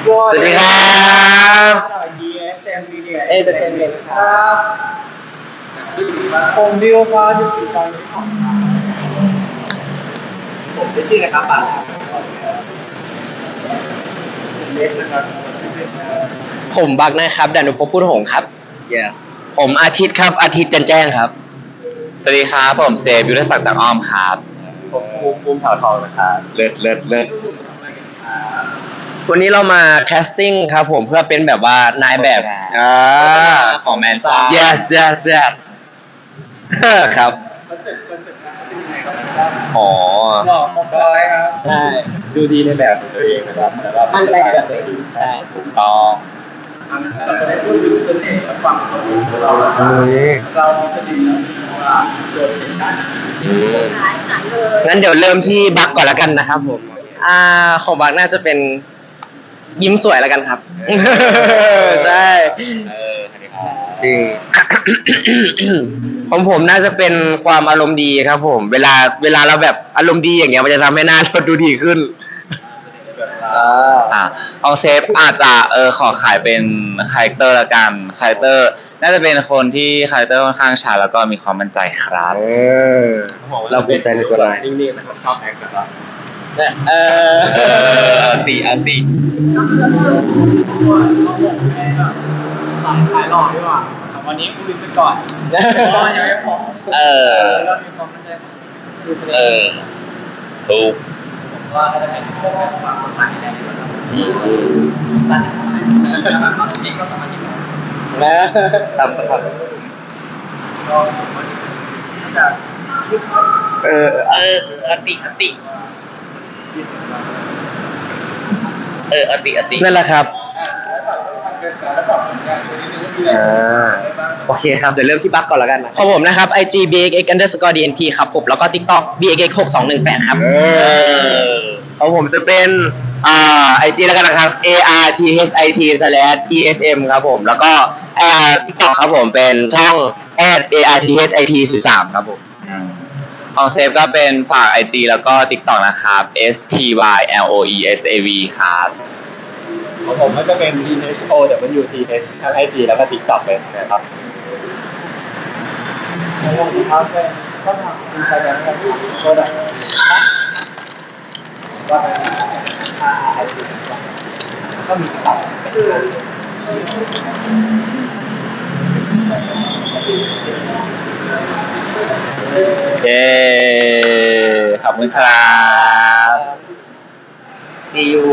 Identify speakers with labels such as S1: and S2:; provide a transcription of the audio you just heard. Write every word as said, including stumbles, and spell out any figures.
S1: สวัสดีครับ
S2: เอเตอร์เทนเมนต์ครับ
S1: ผมดิวครับอยู่ที่ตอนนี้ของผมไม่ชื่อนะครับป่าผมเล็กนะครับ
S2: ผมบักนะครับดานุภพพุทธหงส์ครับ
S1: yes
S2: ผมอาทิตย์ครับอาทิตย์จันแจ้งครับ
S3: สวัสดีครับผมเซฟยุทธศักดิ์จากอ้อมครับ
S1: ผมภูมิภูมิเถาทองนะครับ
S3: เลิศเลิศเลิศ
S2: วันนี้เรามาแคสติ้งครับผมเพื่อเป็นแบบว่านายแบบอ่า
S3: ของแมนซ่า
S2: yes yes yes ครับ
S1: คอนเซ็ปต์คอนเซ็ปต์งานเป็นยังไงครับ
S3: อ๋อ
S1: หล่อมากเลยครับ
S2: ใช่
S1: ดูดีในแบบของตัวเองนะครับแต่ว่า
S2: มั่นใจในแบบตัวเองใช่
S3: ถูกต้อง
S1: เราจะได้พูดถึงเสน่ห์และความสวยของเราแล้วเรามีเสน่ห์แล้วว่าโดดเด่นด้าน
S2: อืมงั้นเดี๋ยวเริ่มที่บักก่อนแล้วกันนะครับผมอ่าของบักน่าจะเป็นยิ้มสวยแล้วกันครับ ใช่
S3: เออสวัสดีครับ
S2: จริง ของผมน่าจะเป็นความอารมณ์ดีครับผม เวลาเวลาเราแบบอารมณ์ดีอย่างเงี้ยมันจะทำให้หน้าเราดูดีขึ้น
S3: อ่าเอาเซฟอาจจะเออขอขายเป็นคาแรคเตอร์ละกันคาแรคเตอร์น่าจะเป็นคนที่คาแรคเตอร์ค่อนข้างชัดแล้วก็มีความมั่นใจครับ
S2: เออ เราภูมิใจในตัวเรา
S1: นิ่งๆนะครับชอบแอคนะครับ
S2: เออ
S3: เออเอาติเอาติ
S1: สายขายหล่อดีกว่าวันนี้คุยไปก่อนก็ยังไม่พอ
S3: เออ
S1: เรามีความมั่นใจ
S3: เออถูก
S1: ผมว่าน่าจะเป็นพวกความสดใสในนี้นะครับ
S2: อืม
S1: ตั้งแต่ตอนนี้ก็สามารถที่จะ
S2: นะครับครับ
S1: ก็มันจะ
S2: เออ
S3: เอออติอติเอออติอติ
S2: นั่นแหละครับ อ่า โอเคครับ เดี๋ยวเริ่มที่บักก่อนแล้วกันนะของผมนะครับ ไอ จี บี เอ็กซ์ เอ็กซ์ underscore ดี เอ็น พี ครับผม แล้วก็ TikTok บี เอ็กซ์ เอ็กซ์ หกสองหนึ่งแปด ครับ
S3: เออ
S2: ของผมจะเป็น อ่า ไอ จี แล้วกันนะครับ A R T H I T slash E S M ครับผม แล้วก็อ่า TikTok ครับผม เป็นช่อง at A R T H I T สิบสามครับผม
S3: ของเซฟก็เป็นฝาก ไอ จี แล้วก็ TikTok นะครับ S T Y L O E S A V ครับ
S1: ของผมก็จะเป็น T H O W T H ทั้ง ไอ จี แล้วก็ TikTok เลยนะครับของผมนะครับเป็นช่องทางอินสตาแกรมนะครับโปรดักต์ว่าเป็นค่า ไอ จี ก็มี TikTok เป็น
S3: เย้ ขอบคุณครับ
S2: See you